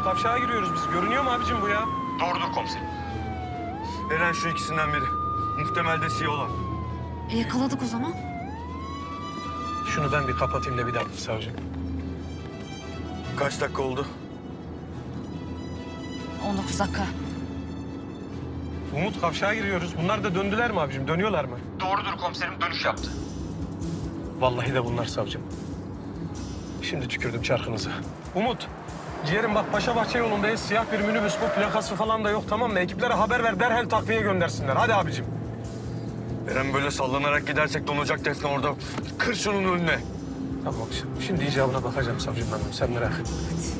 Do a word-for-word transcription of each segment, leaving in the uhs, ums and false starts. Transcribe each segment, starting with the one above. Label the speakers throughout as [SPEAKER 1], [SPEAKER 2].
[SPEAKER 1] kavşağa giriyoruz biz. Görünüyor mu abicim bu ya?
[SPEAKER 2] Doğrudur komiserim.
[SPEAKER 3] Eren şu ikisinden biri. Muhtemel de siyah olan.
[SPEAKER 4] E, yakaladık o zaman.
[SPEAKER 1] Şunu ben bir kapatayım da bir dakika savcım.
[SPEAKER 3] Kaç dakika oldu?
[SPEAKER 4] on dokuz dakika.
[SPEAKER 1] Umut kavşağa giriyoruz. Bunlar da döndüler mi abicim? Dönüyorlar mı?
[SPEAKER 2] Doğrudur komiserim, dönüş yaptı.
[SPEAKER 1] Vallahi de bunlar savcım. Şimdi tükürdüm çarkınıza. Umut, ciğerim bak Paşabahçe yolundayız. Siyah bir minibüs bu. Plakası falan da yok, tamam mı? Ekiplere haber ver, derhal takviye göndersinler. Hadi abicim.
[SPEAKER 3] Eren böyle sallanarak gidersek donacak Defne orada. Kır şunun önüne.
[SPEAKER 1] Tamam, şimdi, şimdi icabına bakacağım savcım hanım. Sen merak etme.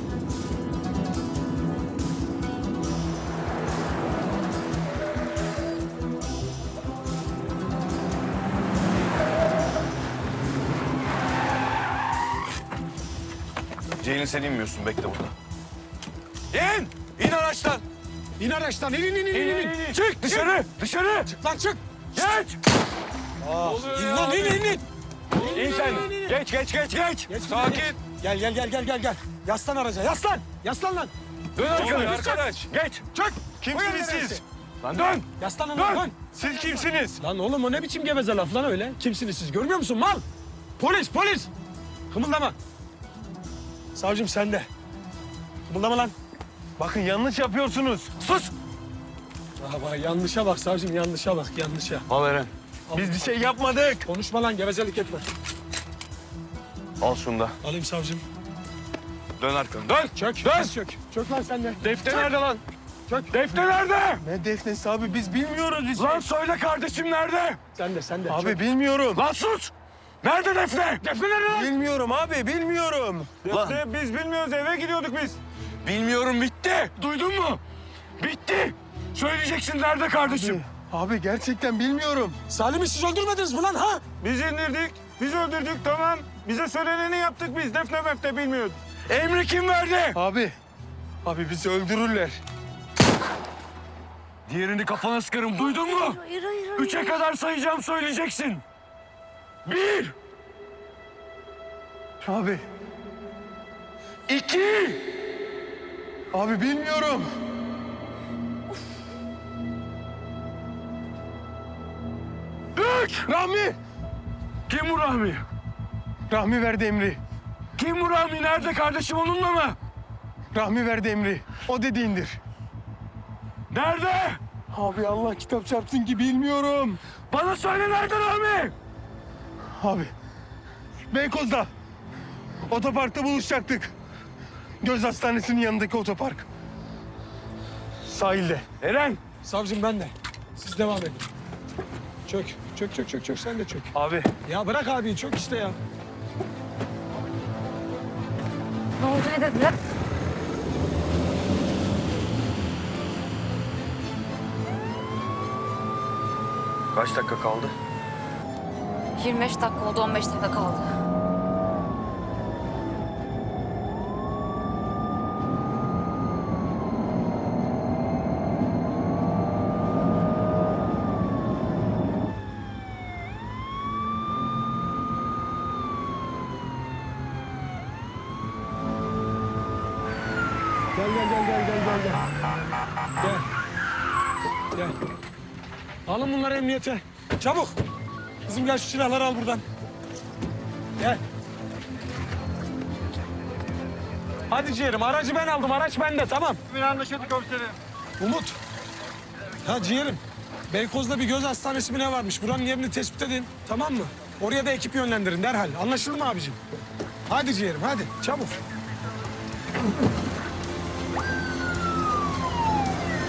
[SPEAKER 3] Ceylin sen inmiyorsun. Bekle burada. İn! İn araçtan!
[SPEAKER 1] İn araçtan, in, in, in, in, in. in.
[SPEAKER 3] Çık dışarı! Dışarı!
[SPEAKER 1] Çık lan çık.
[SPEAKER 3] Geç!
[SPEAKER 1] İn lan, in, in, in.
[SPEAKER 3] İn sen! Geç, geç, geç, geç!
[SPEAKER 1] Geç,
[SPEAKER 3] Sakin!
[SPEAKER 1] geç. Gel, gel, gel, gel, gel, gel. Yaslan araca, yaslan. Yaslan lan.
[SPEAKER 3] Dön arkadaş!
[SPEAKER 1] arkadaş.
[SPEAKER 3] Geç!
[SPEAKER 1] Çık.
[SPEAKER 3] Kimsiniz
[SPEAKER 1] Buyurun
[SPEAKER 3] siz?
[SPEAKER 1] neresi?
[SPEAKER 3] Lan dön!
[SPEAKER 1] Yaslan lan,
[SPEAKER 3] Dön!
[SPEAKER 1] dön.
[SPEAKER 3] Siz kimsiniz?
[SPEAKER 1] Lan oğlum o ne biçim geveze laf lan öyle? Kimsiniz siz? Görmüyor musun mal? Polis, polis. Kımıldama. Savcım sende. Kımıldama lan.
[SPEAKER 3] Bakın yanlış yapıyorsunuz. Sus!
[SPEAKER 1] Aha bak yanlışa bak savcım, yanlışa bak, yanlışa.
[SPEAKER 3] Al Eren. Biz bir şey yapmadık.
[SPEAKER 1] Konuşma lan, gevezelik etme.
[SPEAKER 3] Al şunu da.
[SPEAKER 1] Alayım savcım.
[SPEAKER 3] Dön arkanı. Dön!
[SPEAKER 1] Çök,
[SPEAKER 3] Dön!
[SPEAKER 1] çök, çök. Çök lan sen de.
[SPEAKER 3] Defne nerede lan?
[SPEAKER 1] Çök.
[SPEAKER 3] Defne nerede?
[SPEAKER 5] Ne defnesi abi biz bilmiyoruz biz.
[SPEAKER 3] Lan söyle kardeşim nerede?
[SPEAKER 1] Sen de, sen de.
[SPEAKER 5] Abi
[SPEAKER 1] Çök.
[SPEAKER 5] bilmiyorum.
[SPEAKER 3] Lan sus! Nerede Defne? Defne nerede lan?
[SPEAKER 5] Bilmiyorum abi bilmiyorum.
[SPEAKER 3] Defne biz bilmiyoruz, eve gidiyorduk biz. Bilmiyorum, bitti. Duydun mu? Bitti. Söyleyeceksin nerede kardeşim?
[SPEAKER 5] Abi gerçekten bilmiyorum.
[SPEAKER 1] Salim'i siz öldürmediniz mi lan ha?
[SPEAKER 6] Biz indirdik, biz öldürdük tamam. Bize söyleneni yaptık biz. Defne mefte bilmiyoruz.
[SPEAKER 3] Emri kim verdi?
[SPEAKER 5] Abi. Abi bizi öldürürler.
[SPEAKER 3] Diğerini kafana sıkarım, duydun mu?
[SPEAKER 4] Hayır, hayır, hayır.
[SPEAKER 3] Üçe kadar sayacağım, söyleyeceksin. Bir,
[SPEAKER 5] Abi.
[SPEAKER 3] iki,
[SPEAKER 5] Abi bilmiyorum.
[SPEAKER 3] üç.
[SPEAKER 5] Rahmi.
[SPEAKER 3] Kim bu Rahmi?
[SPEAKER 5] Rahmi verdi emri.
[SPEAKER 3] Kim bu Rahmi? Nerede kardeşim, onunla mı?
[SPEAKER 5] Rahmi verdi emri. O dediğindir.
[SPEAKER 3] Nerede?
[SPEAKER 5] Abi Allah kitap çarpsın ki bilmiyorum.
[SPEAKER 3] Bana söyle, nerede Rahmi?
[SPEAKER 5] Abi. Beykoz'da. Otoparkta buluşacaktık. Göz Hastanesi'nin yanındaki otopark. Sahilde.
[SPEAKER 3] Eren.
[SPEAKER 1] Savcım ben de. Siz devam edin. Çök, çök, çök, çök, çök. Sen de çök.
[SPEAKER 3] Abi.
[SPEAKER 1] Ya bırak abi, çök işte ya.
[SPEAKER 4] Ne oldu, ne dediler?
[SPEAKER 3] Kaç dakika kaldı?
[SPEAKER 4] yirmi beş dakika oldu, on beş dakika kaldı.
[SPEAKER 1] Gel, gel, gel, gel, gel, gel, gel. Gel. Gel. Alın bunları emniyete. Çabuk. Kızım gel, şu silahları al buradan. Gel. Hadi ciğerim, aracı ben aldım. Araç bende, tamam.
[SPEAKER 6] Bir anlaşıldı komiserim.
[SPEAKER 1] Umut. Ha ciğerim. Beykoz'da bir göz hastanesi mi ne varmış? Buranın yerini tespit edin, tamam mı? Oraya da ekip yönlendirin derhal. Anlaşıldı mı abicim? Hadi ciğerim, hadi. Çabuk.